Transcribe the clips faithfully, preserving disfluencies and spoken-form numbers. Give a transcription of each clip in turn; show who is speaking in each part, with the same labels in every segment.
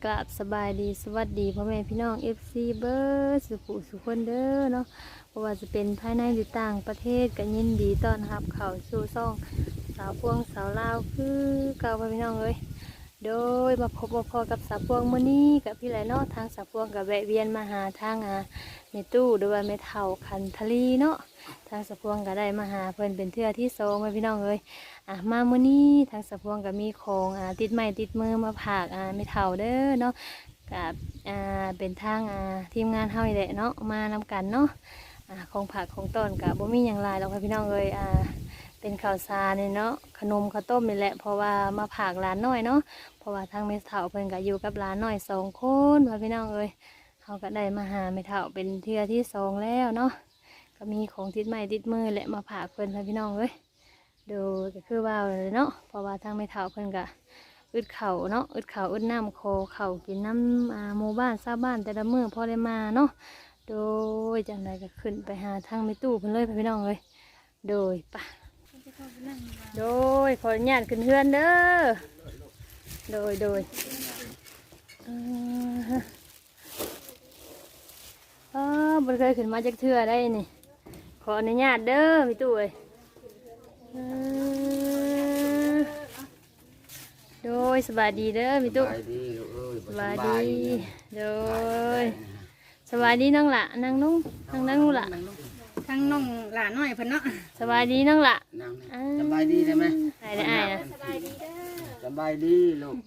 Speaker 1: กราบสบายดีสวัสดีพ่อแม่พี่น้อง เอฟ ซี เบิร์ดสุขุสุขคนเด้อเนาะเพราะว่าจะเป็นภายในหรือต่างประเทศก็ยินดีต้อนรับเข้าสู่ซ่องสาวพวงสาวลาวคือเก่าพ่อพี่น้องเลยโดยมาพบมาพอกับสาวพวงมื้อนี้กับพี่ไหลเนาะทางสาวพวงกับแวะเวียนมาหาทางอาเมตู้หรือว่าเมเท่าคันทลีเนาะทางสาวพวงก็ได้มาหาเพิ่นเป็นเทื่อที่สองพ่อพี่น้องเลยอ่ะมามื้อนี้ทางสาวพวงก็มีของอ่าติดไม้ติดมือมาผากอ่าเมเท่าเด้อเนาะกับอ่าเป็นทางอ่าทีมงานเฮานี่แหละเนาะมานำกันเนาะอ่าของผักของต้นกับบ่มีหยังหลายหรอกพ่อพี่น้องเลยอ่าเป็นข้าวสารนี่เนาะขนมข้าวต้มนี่แหละเพราะว่ามาผากหลานน้อยเนาะเพราะว่าทางเมเท่าเพิ่นก็อยู่กับหลานน้อยสองคนพ่อพี่น้องเลยเขาก็ได้มาหาเมเท่าเป็นเทื่อที่สองแล้วเนาะก็มีของติดไม้ติดมือแหละมาผากเพิ่นพ่อพี่น้องเลยโดยก็คือว่าเลยเนาะเพราะว่าทางเมเท่าเพิ่นก็อึดเข่าเนาะอึดเข่าอึดน้ำโคเข่ากินน้ำอ่าหมู่บ้านชาวบ้านแต่ละมื้อพอได้มาเนาะโดยจังไดก็ขึ้นไปหาทางเมตู้เพิ่นเลยพ่อพี่น้องเลยโดยปะโดยขออนุญาตขึ้นเฮือนเด้อโดยโดยเอออ๋อบนเคยขึ้นมาจากเทือได้นี่ขออนุญาตเด้อพี่ตู้เอ้ยเออโดยสบายดีเด้อพี่ตู้สบายดีโดยสบายดีน้องละนั่งนุ่งนั่งนั่งนุ่งละ
Speaker 2: ทั้งน้องหลานน้อยเพิ่นเนาะ
Speaker 1: สบายดีน้องละ
Speaker 3: สบายดีได้ไหม
Speaker 1: ได้ได้นะ
Speaker 2: สบายดีเด้อ
Speaker 3: สบายดีลูก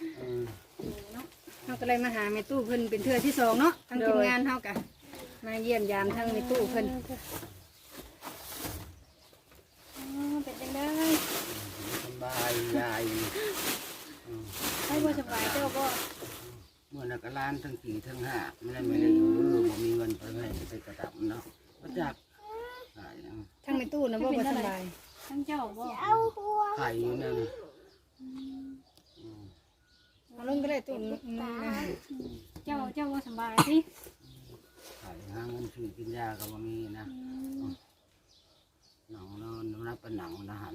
Speaker 2: เฮาก็เลยมาหาแม่ตู้เพิ่นเป็นเทื่อที่สองเนาะทั้งทีมงานเฮากะมาเยี่ยมยามทั้งแม่ตู้เพิ่นเป็นจังได๋
Speaker 3: สบายยาย
Speaker 2: ให้บ่สบายเจ้าบ่
Speaker 3: เมื่อนักล้านทั้งสี่ทั้งห้าไม่ได้ไม่ได้อยู่บ่มีเงินไปให้ไปกระดับเนาะก็จัก
Speaker 2: ทั้งแม่ตู้นะบ่บ่สบายทั้งเจ้าบ่
Speaker 3: ไข่อยู่นั่น
Speaker 2: เอาลงก็ได้ตู้เจ้าเจ้าบ่สบายสิ
Speaker 3: ไข่หาเงินซื้อกินยาก็บ่มีนะหนังนอนนับเป็นหนังนะหัน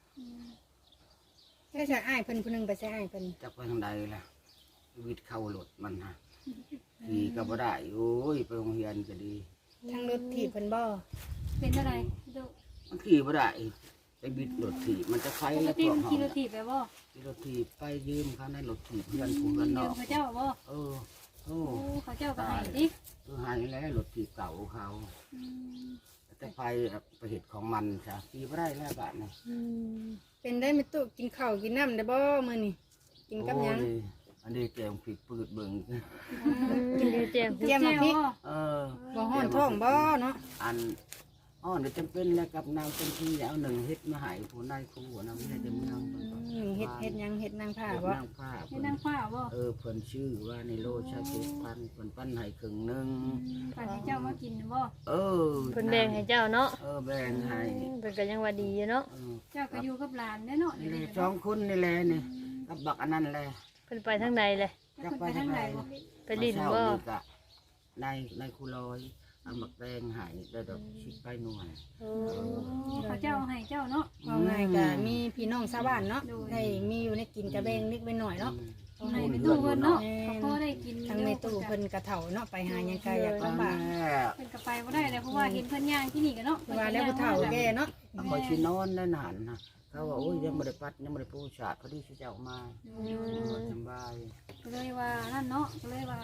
Speaker 2: แค่จะอ้ายเพิ่นผู้นึงไปใส่อ้ายเพิ่น
Speaker 3: จักไปทางใดล่ะชีวิตเข้าหลดมันฮะขี่ก็บ่ได้โอ้ยไปโรงเรียนก็ดี
Speaker 2: ทั้งรถถีบเพิ่นบ่เป็นอะไรดู
Speaker 3: มันขี่บ่ได้ไปบิดรถถีบมันจะไฟแล้วพวกเขา
Speaker 2: ขี่รถถีบไปบ่
Speaker 3: ขี่รถถีบไปยืมเขาในรถถีบเพื่อนผู้เพื่อนนอก
Speaker 2: เขาเจ้าบ่
Speaker 3: เออโอ้
Speaker 2: เขาเจ้าก็ให้ดิ
Speaker 3: เออให้แล้วรถถีบเก่าเขาแต่ไฟไปเหตุของมันจ้ะขี่บ่ได้แล้วบาทนี่
Speaker 2: เป็นได้ไม่ตุกินข้าวกินน้ำได้บ่มื้อนี้กินกับหยัง
Speaker 3: อันนี้แกงผิดปืดเบิ่ง
Speaker 1: กินเจียว
Speaker 2: เจียวมาพริก
Speaker 3: เออ
Speaker 2: บ่ฮ้อนท้องบ่เนาะ
Speaker 3: อันอ๋อเดี๋ยวจำเป็นแล้วกับนางเป็นที่เอาหนึ่งเฮ็ดมาหายผู้นายครูนางไม่ได้จะเมือง
Speaker 2: เฮ็ดเฮ็ดยังเฮ็ดนางผ้าบ่
Speaker 3: นางผ้า
Speaker 2: เฮ็ดนางผ้าบ่
Speaker 3: เออเพิ่นชื่อว่าในโลชาติพันเพิ่นปั้นให้ครึ่งนึง
Speaker 2: ปั้นให้เจ้ามากินบ่
Speaker 3: เออ
Speaker 1: เพิ่นแบ่งให้เจ้าเนาะ
Speaker 3: เออแบ่งให้
Speaker 1: เพิ่นก็ยังว่าดีอยู่เนาะ
Speaker 2: เจ้าก็อยู่กับหลานแน่เนาะ
Speaker 3: นี่สองคนนี่แหละนี่กับบักอันนั้นแหละ
Speaker 1: เพิ่นไปทางใดเลย
Speaker 3: จักไปทางไหน
Speaker 1: ไปดินบ่
Speaker 3: ในในคูลอยเอาหมักแดงหายได้ดอกชิดไปหน่วย
Speaker 2: เขาเจ้าให้เจ้าเนาะเอาไงก็มีพี่น้องชาวบ้านเนาะให้มีอยู่ในกินกระเบงนิดไปหน่อยเนาะให้ในตู้เพิ่นเนาะเขาก็ได้กินทั้งในตู้เพิ่นกระเถาเนาะไปหายังไงอยากลำบากเพิ่นก็ไปบ่ได้เลยเพราะว่าเห็นเพิ่นย่างที่นี่กันเนาะว่าแล้วผู้เฒ่าแก่เนาะ
Speaker 3: คอยชินอนได้นานนะเขาว่าโอ้ยยังไม่ได้ปัดยังไม่ได้ปูฉาดพอดีที่จะออกมาสบาย
Speaker 2: ก็เลยว่านั่นเนาะก็เลยว่า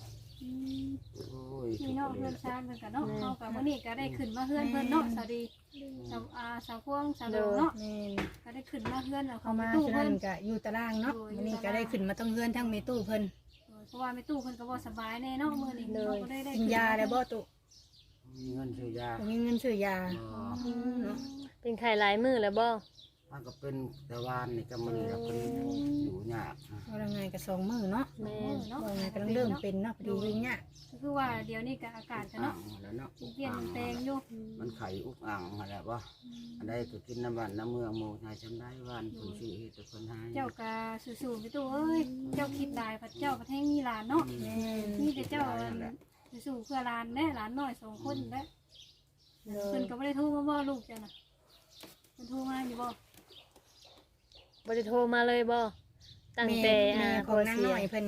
Speaker 2: พี่น้องเพื่อนชาติเพื่อนกันเนาะเขากับวันนี้ก็ได้ขึ้นมาเพื่อนเพื่อนเนาะสวัสดีสาวอาสาวพวงสาวโดเนาะก็ได้ขึ้นมาเพื่อนเอาเขามาตู้เพื่อนก็อยู่ตารางเนาะวันนี้ก็ได้ขึ้นมาต้องเพื่อนทั้งเมตู้เพื่อนเพราะว่าเมตู้เพื่อนก็บ่สบายแน่เนาะมือนี้เลยกินยาแล้วบ่ตุ
Speaker 3: มีเงินซื้อยา
Speaker 2: มีเงินซื้อยา
Speaker 1: เป็นไข่หลายมือแล้วบ่
Speaker 3: มันก็เป็นแต่วานนี่ก็มันเราเป็นอยู่ยาก
Speaker 2: ว่าไงก็สองมือเนาะแม่เนาะว่าไงก็เริ่มเป็นเนาะพอดีวิ่งเนี่ยคือว่าเดี๋ยวนี้ก็อากาศกันเนาะเปลี่ยนแปลงอยู่
Speaker 3: มันไข่อุกอ่างอะไรวะอันใดก็กินน้ำวันน้ำเมืองโมนายจำได้วันผู้ชื่อเหตุคนให้
Speaker 2: เจ้ากาสู่ๆไปตัวเอ้ยเจ้าคิดได้พัดเจ้าประเทศมีหลานเนาะนี่แต่เจ้าสู่เพื่อหลานแน่หลานน้อยสองคนแล้วเพิ่นก็ไม่ได้โทรมาบ่ลูกจ้ะน่ะเพิ่นโทรมาอยู่บ่
Speaker 1: บ่ได้โทรมาเลยบ่ตั้งแต่
Speaker 2: อ่าของนางน้อยเพิ่นนี่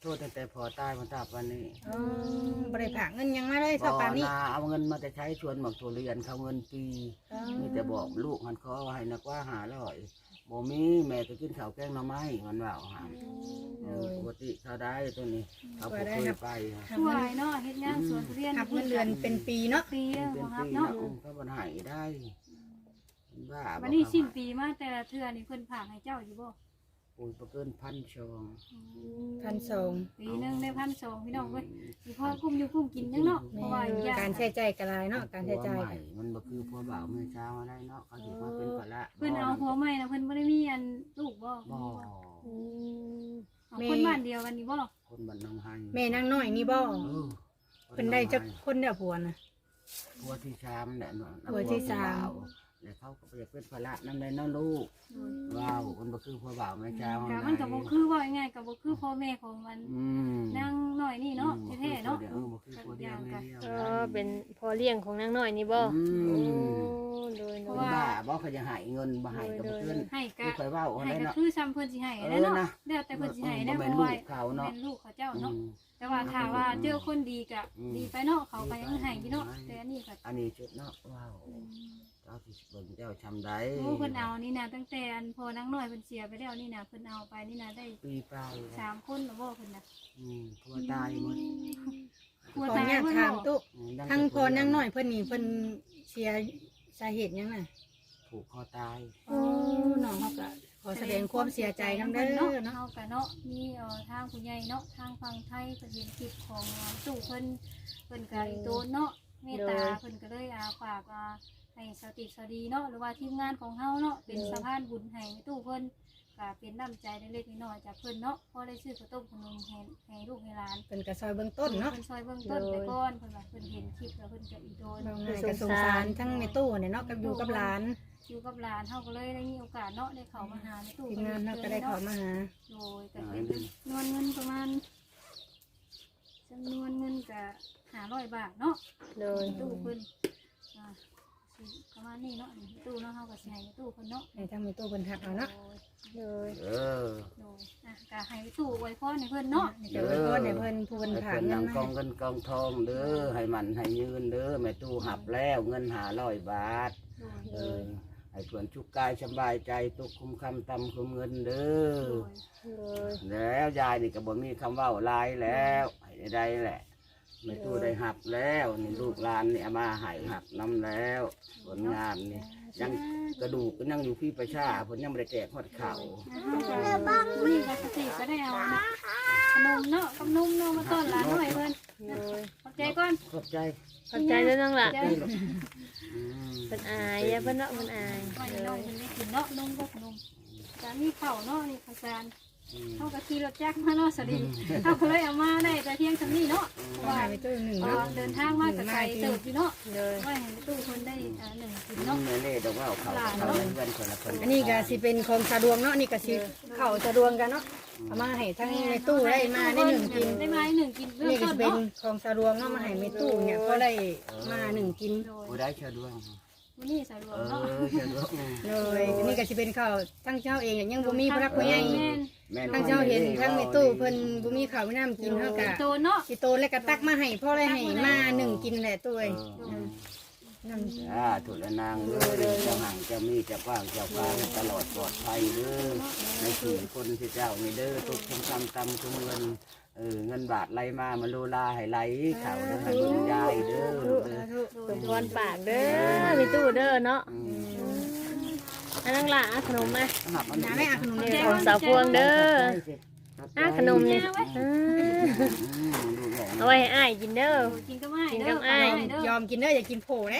Speaker 3: โทษตั้งแต่พอตายมันตาวันนี้
Speaker 2: อ๋อบริผากเงินยังมาเลย
Speaker 3: บ่
Speaker 2: เท่าปานนี้
Speaker 3: นาเอาเงินมาแต่ใช้ชวนหมักตัวเรียนเขาเงินปีมีแต่บอกลูกมันขอให้นักว่าหาร้อยบ่มีแม่ก็กินข้าวแกงหน่อไม้มันว่าหาเออปกติเขาได้ตัวนี้เขาบ่เคยไป
Speaker 4: ช่วยเนาะเฮ็ดงานสวนทุเรียน
Speaker 2: หับเงินเดือนเป็นปีเนาะ
Speaker 4: ปีแล้ว
Speaker 3: เป็น
Speaker 4: บ่ครับ
Speaker 3: ปี
Speaker 4: เนาะ
Speaker 3: นะเขาบ่ให้ได้บ้า
Speaker 4: วันนี้สิ้นปีมาแต่ละเทื่อนี่เพิ่นฝากให้เจ้าอยู่บ่
Speaker 3: โอ้ยบ่เกินพันชอง
Speaker 2: พันสอง
Speaker 4: ปีหนึงได้พันสองพี่น้องเว้ยสิพอกุ้มอยู่กุ้มกินยังเนาะเพราะว่าอีกอย่าง
Speaker 2: การใช้จ่ายกระไรเนาะการใช้จ่าย
Speaker 3: ผัวใหม่มันบ่คือผัวบ่าวเมื่อเช้าอะไรเนาะเขาสิมาเป็นภาระ
Speaker 4: เพิ่นเอาผัวใหม่นะเพิ่นบ่ได้มีอันลูกบ่
Speaker 3: บ่
Speaker 4: เอาคนบ้านเดียวกันนี่บ่
Speaker 3: คนบ้านหนองไฮ
Speaker 2: แม่นางน้อยนี่บ่
Speaker 3: เออ
Speaker 2: เป็นได้จักคนเดียวผัวนะ
Speaker 3: ผัวที่สามแหละเนาะ
Speaker 2: ผัวที่สาม
Speaker 3: แล้วเขาก็อยากเป็นภาระนำได้เนาะลูกว้าวคนบ่คือผัวบ่าวเมื่อเช้า
Speaker 4: ก็มันก็บ่คือว่าง่ายๆก็บ่คือพ่อแม่ของมัน
Speaker 3: อืม
Speaker 4: นางน้อยนี่เนาะแท้ๆเนาะ
Speaker 3: เออบ่คือผัวเดียวแม่เดียว
Speaker 1: เออเป็นพ่อเลี้ยงของนางน้อยนี่บ่
Speaker 3: อื
Speaker 1: โอ้
Speaker 3: ม
Speaker 1: โดย
Speaker 4: เพ
Speaker 1: โด
Speaker 4: ราะ
Speaker 1: ย
Speaker 4: ว่า
Speaker 3: บ้าบ่เขาจะให้เงินบ่ให้ก็บ่เกิน
Speaker 4: ให้
Speaker 3: คื
Speaker 4: ก็
Speaker 3: อข่อยเว้าอะไร
Speaker 4: ให้ก็
Speaker 3: เนาะ
Speaker 4: คือซ้ำเพิ่นสิให้แล้วเนาะแล้วแต่เพิ่นสิให้ได้
Speaker 3: บ่
Speaker 4: บ่
Speaker 3: แม่นลู
Speaker 4: ว่าก
Speaker 3: เขาเนาะ
Speaker 4: เป็นลูกเขาเจ้า
Speaker 3: อื
Speaker 4: เนาะ
Speaker 3: ม
Speaker 4: แต่ว่าถ้าว่าเจอคนดีก็
Speaker 3: อืม
Speaker 4: ดีไปเนาะเขาก็ยังให้อยู่เนาะแต่อันนี้ก็
Speaker 3: อันนี้จุดเนาะว้าวเจ้าที่เบิ่งเจ้าชำได้
Speaker 4: โอ้เพิ่นเอานี่นะตั้งแต่อันพอนางน้อยเพิ่นเสียไปแล้วนี่นะเพิ่นเอาไปนี่นะได้
Speaker 3: ปีปลาย
Speaker 4: สามคนแล้วบ่เพิ่นน่ะ
Speaker 3: อืมผัวตายหมด
Speaker 4: กลัว
Speaker 2: ขออ
Speaker 4: ตาย
Speaker 2: นุญาต
Speaker 4: เพิ่น
Speaker 2: ถาม
Speaker 4: บ่
Speaker 2: ตุ๊
Speaker 3: อืมดัง
Speaker 2: ทั้ง
Speaker 3: แต่
Speaker 2: พอนางน้อยเพิ่นนี่เพิ่นเสียสาเหตุหยังน่ะ
Speaker 3: ผูกคอตาย
Speaker 2: โอ้น้องเขาก็ขอแสดงความเสียใจนำเด้อ
Speaker 4: เนาะ
Speaker 2: เนาะ
Speaker 4: เฮาก็เนาะมีเอ่อทางผู้ใหญ่เนาะทางฝั่งไทยเพิ่นเห็นคลิปของตู้เพิ่นเพิ่นก็อีโตนเนาะเมตตาเพิ่นก็เลยอาฝากอ่าให้สติสดีเนาะหรือว่าทีมงานของเฮาเนาะเป็นสะพานบุญให้ตู้เพิ่นก็เป็นน้ำใจเล็กๆน้อยๆจากเพิ่นเนาะพอได้ซื้อข้าวต้มขนมให้ให้ลูกให้หลาน
Speaker 2: เพิ่นก็ซอยเบื้องต้นเนาะ
Speaker 4: เพิ่นซอยเบื้องต้นไปก่อนเพิ่นว่าเพิ่นเห็นคลิปแล้วเพิ่นก็อีโดน
Speaker 2: น้องนายก็สงสารทั้งในตู้เนี่ยเนาะกับอยู่กับหลาน
Speaker 4: อยู่กับหลานเฮาก็เลยได้มีโอกาสเนาะได้เข้ามาหาในตู้
Speaker 2: ทีมงานเนาะก็ได้เข้ามาหา
Speaker 4: โดยก็เป็นจำนวนเงินประมาณจำนวนเงินก็ห้าร้อยบาทเนาะ
Speaker 1: โดย
Speaker 4: ตู้เพิ่นอ่าสิประมาณนี้เนาะนี่ตู้เนาะเฮาก็สิให้ในตู้เพิ่นเนาะ
Speaker 2: ให้ทั้งในตู้เพิ่นทักเอาเนาะ
Speaker 1: โดย
Speaker 3: เออ
Speaker 4: โดยอ่ะก็ให้ตู้อวยพรให้เพิ่นเนาะ
Speaker 2: เดี๋ยวเพิ่นให้เพิ่นผู้เพิ่น
Speaker 3: ให้
Speaker 2: ถาม
Speaker 3: เพิ่น
Speaker 2: เงิน
Speaker 3: นำก
Speaker 2: มา
Speaker 3: องเงินกองทองเด้อให้มันให้ยืนเด้อแม่ตู้หับแล้วเงินหาร้อยบาท
Speaker 4: โดย
Speaker 3: เออให้เพื่อนชุกกายสบายใจตุกคุมคำตำคุมเงินเด้
Speaker 4: โด
Speaker 3: อย
Speaker 1: โดย
Speaker 3: แล้วยายนี่ก็บ่มีคำเว่าหลายแล้วให้ได้แหละแม่ตู้ได้หับแล้วนี่ลูกหลานนี่เอามาให้หับน้ำแล้วผลงานนี่ยังกระดูกก็ยังอยู่พี่ประชาผลยังไม่ได้แจกฮอดเข่า
Speaker 4: นี่ก็สติก็ได้เอาเนาะขนมเนาะกับนมเนาะมาต้อนหลานหน่อยเพิ่น
Speaker 1: โดย
Speaker 4: ขอบใจก่อน
Speaker 3: ขอบใจ
Speaker 1: ขอบใจเด้อน้องล่ะ
Speaker 4: ใจ
Speaker 3: อืม
Speaker 1: เพิ่นอายอย่าเพิ่นเนาะเพิ่นอาย
Speaker 4: ไว้
Speaker 1: โด
Speaker 4: น้อง
Speaker 1: ย
Speaker 4: เพิ่นได้กินเนาะนมกับขนมจานนี้ข้าวเนาะนี่ข้าวสาร
Speaker 3: อืม
Speaker 4: เฮาก็ขี่รถจักรมาเนาะสวัสดีเฮาก็เลยเอามาได้แต่เที่ยงซำนี้เนาะเพราะ
Speaker 2: ว่า
Speaker 4: ว่า
Speaker 2: ไปตู้หนึ่ง
Speaker 4: เอ่
Speaker 2: เนาะ
Speaker 4: อเดินทางมากับไกลเติบอยู่เนาะ
Speaker 1: โดย
Speaker 4: ไว้ให้ตู้เพิ่นได้อ่าหนึ่งกิน
Speaker 3: อื
Speaker 4: เนาะ
Speaker 3: มแม่เล่ดอกว่าเอาเขาเขาเงินคนละคน
Speaker 2: อันนี้ก็สิเป็นของสะดวกเนาะนี่ก็สิเข้าสะดวกกันเนาะเอามาให้ทั้งในตู้ได้มาได้หนึ่งกิน
Speaker 4: ได้มาได้หนึ่งกินเบื้อง
Speaker 2: นี่ก็
Speaker 4: ต้
Speaker 2: สิ
Speaker 4: น
Speaker 2: เป็น
Speaker 4: เนาะ
Speaker 2: ของสะดวกเนาะมาให้ในตู้เนี่ยก็ได้มาหนึ่งกิน
Speaker 4: โดย
Speaker 3: กูได้เชิญด้วย
Speaker 4: วันนี้สะดว
Speaker 3: เอก
Speaker 4: เนาะ
Speaker 3: อเชิญด้วย
Speaker 2: เลยนี่ก็สิเป็นข้าวทั้งเจ้าเองเนี่ยยังบ่มีพระผู้ใหญ่
Speaker 4: แม่น
Speaker 3: แม่น
Speaker 2: ทั้งเจ้าเห็นทั้งในตู้เพิ่นบ่มีข้าวมีน้ำกินเฮาก็
Speaker 4: โตเนาะ
Speaker 2: สิโตแล้วก็ตักมาให้พ่อได้ให้มาหนึ่งกินแหละตู้
Speaker 3: เอ
Speaker 2: เอ้ย
Speaker 3: อ
Speaker 2: น้ำ
Speaker 3: อ่าถูกแล้วนางเด้อเจ้าห่างเจ้ามีเจ้ากว้างเจ้ากลางตลอดปลอดภัยเด้อในสี่คนที่เจ้านี่เด้อทุกทุกคำตำทุกเงินเออเงินบาทไหลมามาโลลาให้ไหลเข่าเด้อให้บุญยายเด้อลูกเด้อ
Speaker 1: สมพรปากเด้อมีตู้เด้อเนาะ
Speaker 3: อืม
Speaker 1: อันนั้นล่ะอ่ะขนมมา
Speaker 3: หับมัน
Speaker 2: น้าไม่เอาขนม
Speaker 1: นี่
Speaker 2: เด้
Speaker 1: ข
Speaker 2: อ
Speaker 1: องสาวพวงเด้ออ่ะขนมนี่
Speaker 4: เอาไว้
Speaker 1: อ่า
Speaker 3: อืมดูแล
Speaker 1: เอาไว้ให้อ้ายกินเด้อ
Speaker 4: กินก็ไม่
Speaker 1: กิน
Speaker 4: เด้
Speaker 1: กั
Speaker 4: อบ
Speaker 1: อ้าย
Speaker 4: เด้อย
Speaker 2: อมกินเด้ออย่ากินโผล่เด้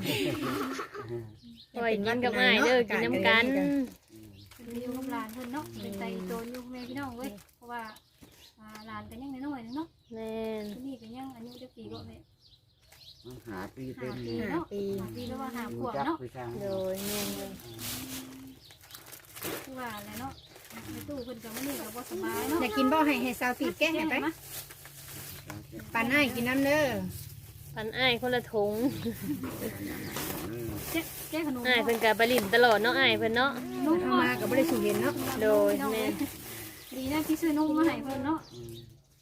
Speaker 1: เอาไว้กินกับอ้ายเด้อกินน้ำกัน
Speaker 4: เป็นอยู่กับหลานเพิ่นเนาะเป็นใจโตนอยู่แม่พี่น้องเว้ยเพราะว่าอ่าหลานก็ยังน้อยๆนึงเนาะ
Speaker 1: แม่น
Speaker 4: คนนี้ก็ยังอายุจะปีก็แม่
Speaker 3: หาปี
Speaker 4: ห้า
Speaker 3: เต็ม
Speaker 4: ปี
Speaker 3: เลย
Speaker 4: เนาะห้าปีแล้วว่าห้าข
Speaker 3: รู้
Speaker 4: วบ
Speaker 3: จัก
Speaker 4: เนาะ
Speaker 3: ไปทาง
Speaker 1: โดยแม่นเลย
Speaker 4: คือว่าอะไรเนาะในตู้เพิ่นก็มื้อนี้ก็บ่สบายเนาะ
Speaker 2: อยากกินบ่ให้ให้สาวตีแก้ให้ไปปานอ้ายกินน้ำเด้อ
Speaker 1: ปันอ้ายคนละถุง
Speaker 4: แก้แก้ขนม
Speaker 1: อ้ายเพิ่นก็ไปลิ้นตลอดเนาะอ้ายเพิ่นเนาะ
Speaker 4: นุ่ม
Speaker 2: เอามาก็บ่ได้สูเห็นเนาะ
Speaker 1: โดยแม่น
Speaker 4: ดีนะที่ซื้อนมมาให้เพิ่นเนาะ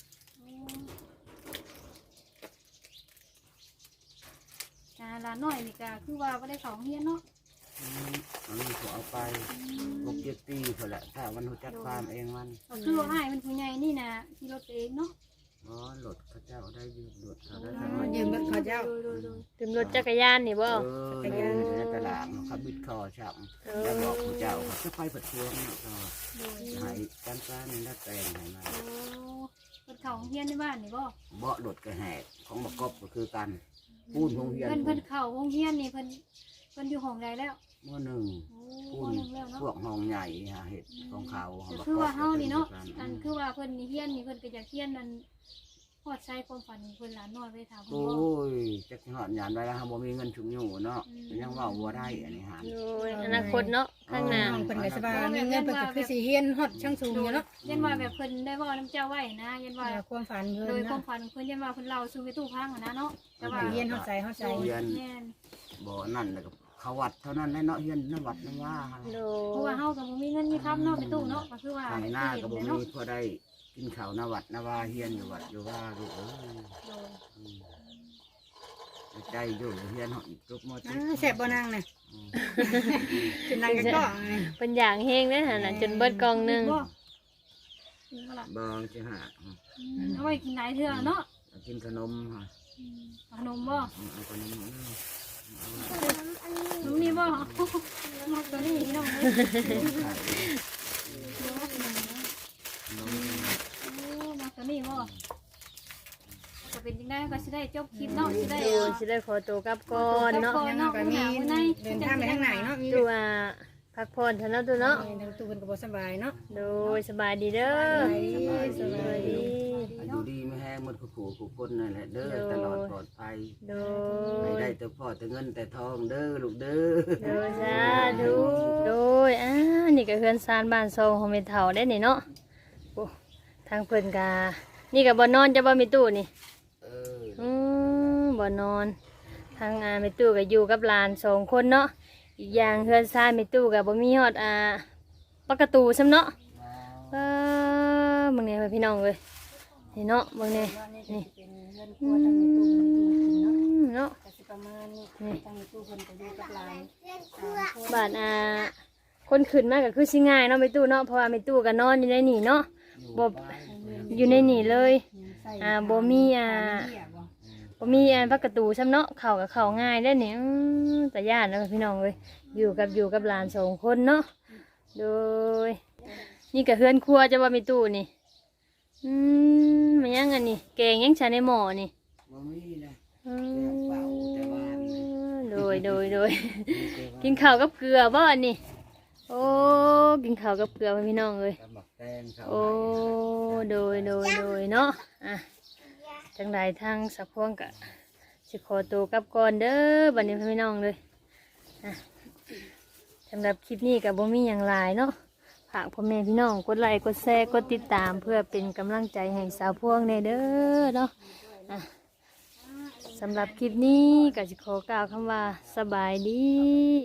Speaker 4: หลานน้อยนี่ก็คือว่าบ่ได้เข้าโรงเรียนเนาะ
Speaker 3: อืมอันนี้เขาเอาไปหกเจ็ดปีเท่าแหละถ้ามันรู้จักความเองมัน
Speaker 4: ก็คือว่าอ้ายมันผู้ใหญ่นี่นะขี่รถเองเนาะ
Speaker 3: อ๋อหลดเขาเจ้าได้ยืมหลดเขาได้
Speaker 2: อ๋
Speaker 3: ทำ
Speaker 2: อ
Speaker 3: ไม
Speaker 2: ยืมรถเขาเจ้า
Speaker 1: ถึงรถจักรยานนี่บ่
Speaker 3: เออยืมในตลาดเขาบิดคอฉับแล้วบอกเขาเจ้าเขาจะไปผัดทวงเนาะก็
Speaker 4: โดย
Speaker 3: หายการการนี่น่าแต่งให้มา
Speaker 4: โอ้เพิ่นเข้าโรงเรียนในบ้านนี่บ่
Speaker 3: เบาะหลดกระแหกของบักกบก็คือกันปูนหงเฮียน
Speaker 4: เพิ่นเพิ่นเข้าโรงเรียนนี่เพิ่นเพิ่นอยู่ห้องใดแล้ว
Speaker 3: หม้อหนึ่ง
Speaker 4: โอ้
Speaker 3: ปู
Speaker 4: ห้อง
Speaker 3: น
Speaker 4: หนึงแล้วเนาะ
Speaker 3: พวกห้องใหญ่ฮะเห็ดของเขาขง
Speaker 4: ก็
Speaker 3: บัก
Speaker 4: คือว่าเฮานี่เนาะ
Speaker 3: ก็
Speaker 4: อัน
Speaker 3: คือ
Speaker 4: คือว่าเพิ่นนี่เฮียนนี่เพิ่นก็อยากเฮียนนั่นฮอดใช้ความฝันเพิ่นหลานน้อยไปถามเพิ่น
Speaker 3: โอ้
Speaker 4: บ่
Speaker 3: ยจักสิหอดหยานไว้แล้วครับบ่มีเงินชุมอยู่เนาะยังว่าบ่ได้อันนี้หา
Speaker 1: โดยอนาคตเนาะข้างหน้า
Speaker 2: น้องเพิ่นก็สิว่ามีเงินเพิ่นก็คือสิเฮียนฮอดช่างสูงอยู่เนาะ
Speaker 4: ยันว่าแบบเพิ่นได้เว้านํเจ้าไว้นะยันว่า
Speaker 2: ว่าความฝันเพิ่น
Speaker 4: โดยความ
Speaker 2: เนาะ
Speaker 4: ฝันของเพิ่นยันว่าเพิ่นเล่าสู่ไปตู้พังอะนะเนาะแต่ว่า
Speaker 2: เฮียนฮอดใจฮอดใจ
Speaker 3: เฮียน
Speaker 4: แม่น
Speaker 3: บ่นั่นแล้วก็เขาวัดเท่านั้นแหละเนาะเฮียนน้ำวัดน้ำว่า
Speaker 1: โด
Speaker 4: เพราะว่าย เฮาก็บ่มีเงินมีคำเนาะไปตู้เนาะก็คือว่า
Speaker 3: ทางหน้าก็บ่
Speaker 4: เนาะ
Speaker 3: มีพอได้กินข้าวน้ำวัดน้ำว่าเฮียนอยู่วัดอยู่ว่าลูกเอ้ย
Speaker 4: โดย
Speaker 3: อืมใจอยู่เฮียนเฮาอีกจุกหมด
Speaker 2: อ่าแซ่บบ่นางน่ะกินนางก็ก็
Speaker 1: เพิ่นอย่างเฮงเด้อหั่นน่ะจนเบิดกล่องหนึง
Speaker 4: บ่กินบ่ล่ะ
Speaker 3: บางสิหา
Speaker 4: อืมเอาไว้กินหลายเทื่อเนาะ
Speaker 3: เอากินขนมฮะ
Speaker 4: อืมเอาขนมบ่
Speaker 3: เอาขนมเอา
Speaker 4: ขนมนี่บ่มักตัวนี้พี่น้องเอ้ย
Speaker 3: ขนม
Speaker 4: โอ้มักตัวนี้บ่ก็เป็นจังได๋ก็สิได้จบคลิปเนาะสิได้
Speaker 1: โดยสิได้ขอตัวกลับก่อนเนาะ
Speaker 2: ยังก็มีเดินทางไปทางไหนเนาะมี
Speaker 1: ตัวาพักผ่อนเถอะเนาะตัวเนาะ
Speaker 2: ทางตู้เพิ่นก็บ่สบายเนาะ
Speaker 1: โดยสบายดีเด้อ
Speaker 3: สบาย
Speaker 1: สบาย
Speaker 3: ดี
Speaker 1: ดี
Speaker 3: อายุดีไม่แห้งหมดคู่ขู่คู่คนนั่นแหละเด้อตลอดปลอดภัย
Speaker 1: โด
Speaker 3: ไม่
Speaker 1: ย
Speaker 3: ได้แต่พ่อแต่เงินแต่ทองเด้อลูกเด้อ
Speaker 1: โดยสาธุโดยอ่านี่ก็เฮือนซานบ้านทรงของเมเฒ่าได้นี่เนาะโอ้ทางเพิ่นกานี่ก็บ่นอนจะบ่มีตู้นี่
Speaker 3: เออ
Speaker 1: อืมบ่นอน ทางอาเมตู้ก็อยู่กับหลานสองคนเนาะอีกอย่างเฮือนซานเมตู้ก็บ่มีฮอดอ่าปากประตูซ้ำเนาะเออมึงเนี่ยพี่น้องเอ้ยนี่เนาะมึงเนี่ยนี่อืมเนาะ
Speaker 2: ประมาณนี้
Speaker 1: นี่
Speaker 2: ทางตู้เพิ่นก็อยู่กับหลาน
Speaker 1: บาดอ่าคนขึ้นมาก็คือสิง่ายเนาะไม่ตู้เนาะเพราะว่าไม่ตู้ก็นอนอยู่ในนี่เนาะบ่อยู่ในนี่เลยอ่าบ่มีอ่าบ่มีอ่าพักประตูซ้ำเนาะเข้ากับเข้าง่ายได้อนี่อื้อแต่ย่านเนาะพี่น้องเอ้ยอยู่กับอยู่กับหลานสองคนเนาะโดยนี่ก็เฮือนครัวจะว่าไม่ตู้นี่อืมมันยังอันนี้แกงยังใช้ในหม้อนี่
Speaker 3: บ่มีนะ
Speaker 1: อื
Speaker 3: เป่าแต่บ้าน
Speaker 1: มโดยโดยโดย กินข้าวกับเกลือบ่อันนี้โอ้กินข้าวกับเกลือพี่น้องเลย
Speaker 3: กับหมักแตงเขา
Speaker 1: โอ้โดยโดยโดยเนาะอ่ะจังใดทางสักพวงกะสิขอตัวกลับก่อนเด้อบัดนี้พี่น้องเลยอ่ะสำหรับคลิปนี้กับบ่มีอย่างไรเนาะฝากพ่อแม่พี่น้องกดไลค์กดแชร์กดติดตามเพื่อเป็นกำลังใจให้สาวพวงในเด้อเนาะอ่ะสำหรับคลิปนี้ก็จะขอกล่าวคำว่าสบายดี